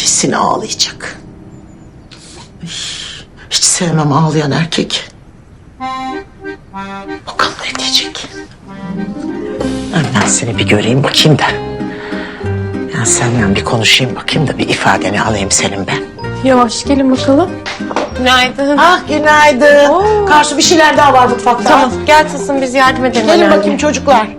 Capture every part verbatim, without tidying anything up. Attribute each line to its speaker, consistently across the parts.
Speaker 1: Kesin ağlayacak. Hiç sevmem ağlayan erkek. Bakalım ne diyecek. Ben seni bir göreyim bakayım da. Ya seninle bir konuşayım bakayım da bir ifadeni alayım senin ben.
Speaker 2: Yavaş gelin bakalım. Günaydın.
Speaker 1: Ah günaydın.
Speaker 2: Oo.
Speaker 1: Karşı bir şeyler daha var mutfakta.
Speaker 2: Tamam gel Tılsım biz yardım edelim.
Speaker 1: Gelin
Speaker 2: anneanne.
Speaker 1: bakayım çocuklar.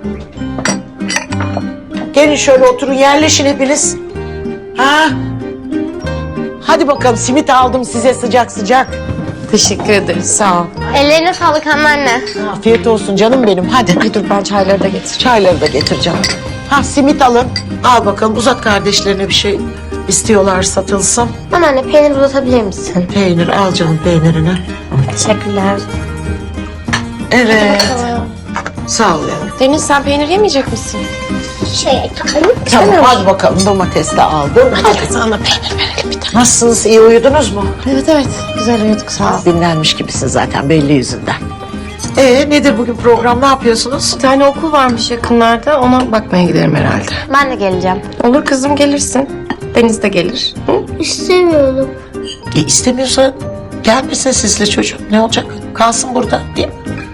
Speaker 1: Gelin şöyle oturun yerleşin hepiniz. Ha? Hadi bakalım simit aldım size sıcak sıcak.
Speaker 2: Teşekkür ederiz sağ ol.
Speaker 3: Ellerine sağlık anneanne.
Speaker 1: Afiyet olsun canım benim hadi.
Speaker 2: Ay dur ben çayları da getir.
Speaker 1: Çayları da getireceğim. Ha simit alın. Al bakalım uzat kardeşlerine bir şey istiyorlar satılsın.
Speaker 3: Anneanne peynir uzatabilir misin?
Speaker 1: Peynir al canım peynirini.
Speaker 3: Teşekkürler.
Speaker 1: Evet. Sağ ol yavrum.
Speaker 2: Deniz sen peynir yemeyecek misin?
Speaker 3: Şey,
Speaker 1: Tamam hadi bakalım domates de aldım. Hadi
Speaker 2: Sana peynir verelim bir tane.
Speaker 1: nasılsınız iyi uyudunuz mu?
Speaker 2: Evet evet güzel uyuduk sağ ol.
Speaker 1: Dinlenmiş gibisin zaten belli yüzünden. Ee nedir bugün program ne yapıyorsunuz?
Speaker 2: Bir tane okul varmış yakınlarda ona bakmaya giderim herhalde.
Speaker 3: Ben de geleceğim.
Speaker 2: Olur kızım gelirsin. Deniz de gelir. Hı?
Speaker 3: İstemiyorum.
Speaker 1: E istemiyorsa gelmesin sizle çocuk ne olacak? Kalsın burada değil mi?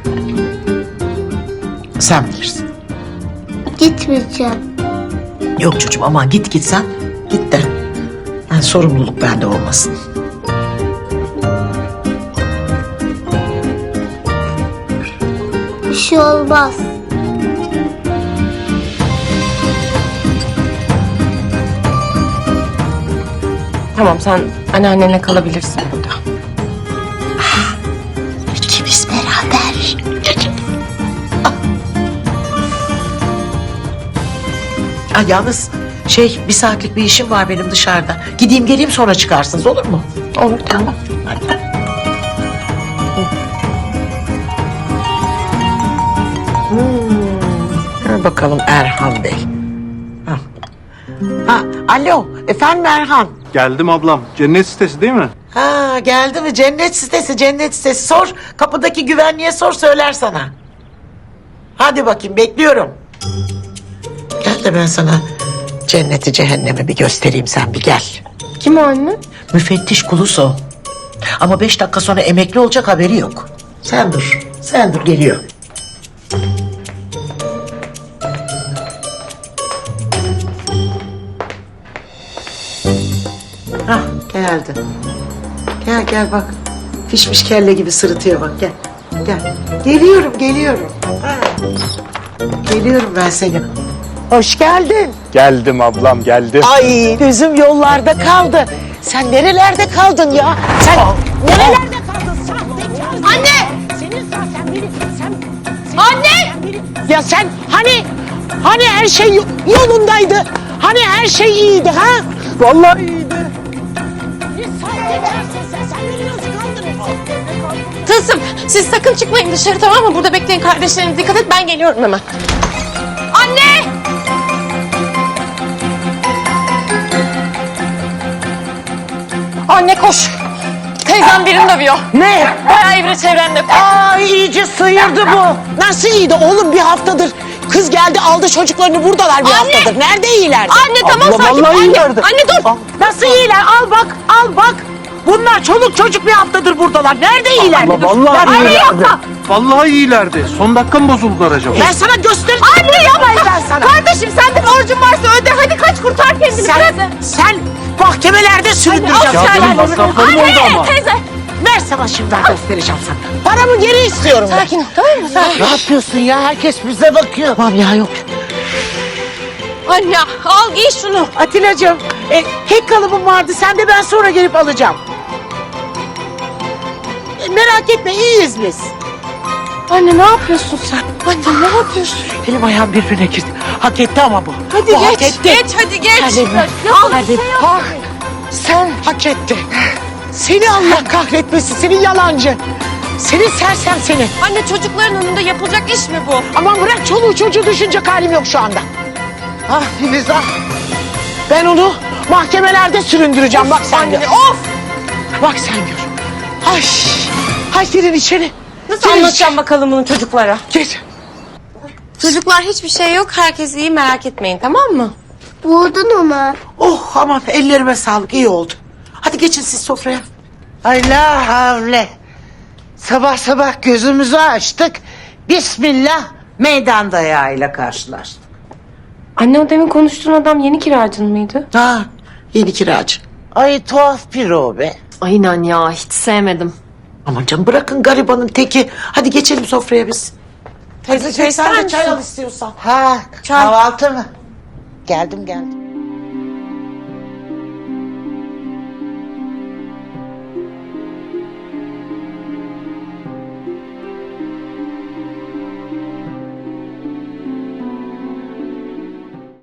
Speaker 1: Sen bilirsin.
Speaker 3: Gitmeyeceğim.
Speaker 1: Yok çocuğum aman git gitsen git de. Yani sorumluluk bende olmasın.
Speaker 3: Bir şey olmaz.
Speaker 2: Tamam sen anneannenle kalabilirsin burada.
Speaker 1: İkimiz beraber. Ah, yalnız şey bir saatlik bir işim var benim dışarıda. Gideyim geleyim sonra çıkarsınız olur mu?
Speaker 2: Olur tamam.
Speaker 1: Hadi. Hmm. Ha, bakalım Erhan Bey. Ha. Ha, alo efendim Erhan.
Speaker 4: Geldim ablam. Cennet sitesi değil mi?
Speaker 1: Ha geldi mi cennet sitesi cennet sitesi sor kapıdaki güvenliğe sor söyler sana. Hadi bakayım bekliyorum. Gel de ben sana cenneti cehennemi bir göstereyim sen bir gel.
Speaker 2: Kim o anne?
Speaker 1: Müfettiş Kuluso. Ama beş dakika sonra emekli olacak haberi yok. Sen dur sen dur geliyor. Hah geldi. Gel gel bak. Fişmiş kelle gibi sırıtıyor bak gel. Gel. Geliyorum geliyorum. Ha. Geliyorum ben seni. Hoş geldin.
Speaker 4: Geldim ablam geldim.
Speaker 1: Ay gözüm yollarda kaldı. Sen nerelerde kaldın ya? Sen nerelerde kaldın? Sahtekar. Anne! Senin sen beni sen, sen Anne! Ya sen hani hani her şey yolundaydı. Hani her şey iyiydi ha?
Speaker 4: Vallahi iyiydi.
Speaker 1: Ne sahtekarsın sen? Sen beni nasıl kandırırsın?
Speaker 2: Tılsım siz sakın çıkmayın dışarı tamam mı? Burada bekleyin kardeşlerine dikkat et ben geliyorum hemen. Anne! Anne koş. Teyzem birini dövüyor.
Speaker 1: Ne?
Speaker 2: Bayağı evre çevrende.
Speaker 1: Ay iyice sıyırdı bu. Nasıl iyiydi oğlum bir haftadır. Kız geldi aldı çocuklarını buradalar bir
Speaker 2: Anne!
Speaker 1: haftadır. Nerede iyiler?
Speaker 2: Anne tamam
Speaker 4: Abla,
Speaker 2: sakin.
Speaker 4: vallahi
Speaker 2: Anne,
Speaker 4: iyilerdi.
Speaker 2: anne dur.
Speaker 1: Nasıl iyiler? Al bak, al bak. Bunlar çoluk çocuk bir haftadır buradalar. Nerede iyiler?
Speaker 4: Abla vallahi
Speaker 1: Anne
Speaker 4: iyilerdi.
Speaker 1: yapma.
Speaker 4: Vallahi iyilerdi. Son dakika mı bozuldular acaba?
Speaker 1: Ben sana göstereceğim. Anne yapmayın ben sana.
Speaker 2: Kardeşim sen de borcun varsa öde. Hadi kaç kurtar kendini.
Speaker 1: Sen, sen mahkemelerde süründüreceğim.
Speaker 4: Ya
Speaker 1: Sen-
Speaker 4: benim masraflarım oldu ama.
Speaker 2: Teyze.
Speaker 1: Ver sana şimdi ben göstereceğim sana. Paramı geri istiyorum ben.
Speaker 2: Sakin ol tamam mı? Sakin.
Speaker 1: Ne yapıyorsun ya? Herkes bize bakıyor. Tamam ya yok.
Speaker 2: Anne al giy şunu.
Speaker 1: Atilla'cığım e, kek kalıbım vardı. Sen de ben sonra gelip alacağım. E, merak etme iyiyiz biz.
Speaker 2: Anne ne yapıyorsun sen? Anne ne yapıyorsun?
Speaker 1: Elim ayağım birbirine girdi. Hak etti ama bu.
Speaker 2: Hadi
Speaker 1: bu hak
Speaker 2: geç.
Speaker 1: etti.
Speaker 2: Geç hadi geç.
Speaker 1: Hadi.
Speaker 2: Al.
Speaker 1: Hadi. Ha, sen hak etti. Seni Allah kahretmesin. Senin yalancı. Senin sersem seni.
Speaker 2: Anne çocukların önünde yapılacak iş mi bu?
Speaker 1: Aman bırak çoluğu çocuğu düşünecek halim yok şu anda. Ah Filiz ah. Ben onu mahkemelerde süründüreceğim. Bak sen gör.
Speaker 2: Anne of.
Speaker 1: Bak sen gör. Ay. Ay girin içeri.
Speaker 2: Nasıl
Speaker 1: Girin
Speaker 2: anlatacağım bakalım bunu çocuklara?
Speaker 1: içeri. Gir.
Speaker 2: Çocuklar hiçbir şey yok. Herkes iyi merak etmeyin tamam mı?
Speaker 3: Vurdun onu.
Speaker 1: Oh aman ellerime sağlık iyi oldu. Hadi geçin siz sofraya. Ay la havle. Sabah sabah gözümüzü açtık. Bismillah meydan dayağıyla karşılaştık.
Speaker 2: Anne o demin konuştuğun adam yeni kiracın mıydı?
Speaker 1: Ha yeni kiracı. Ay tuhaf bir o be.
Speaker 2: Aynen ya hiç sevmedim.
Speaker 1: Aman canım bırakın garibanın teki. Hadi geçelim sofraya biz. Teyze
Speaker 2: çay
Speaker 1: sen
Speaker 2: ister
Speaker 1: de çay
Speaker 2: misin?
Speaker 1: al istiyorsan. Ha kahvaltı mı? Geldim geldim.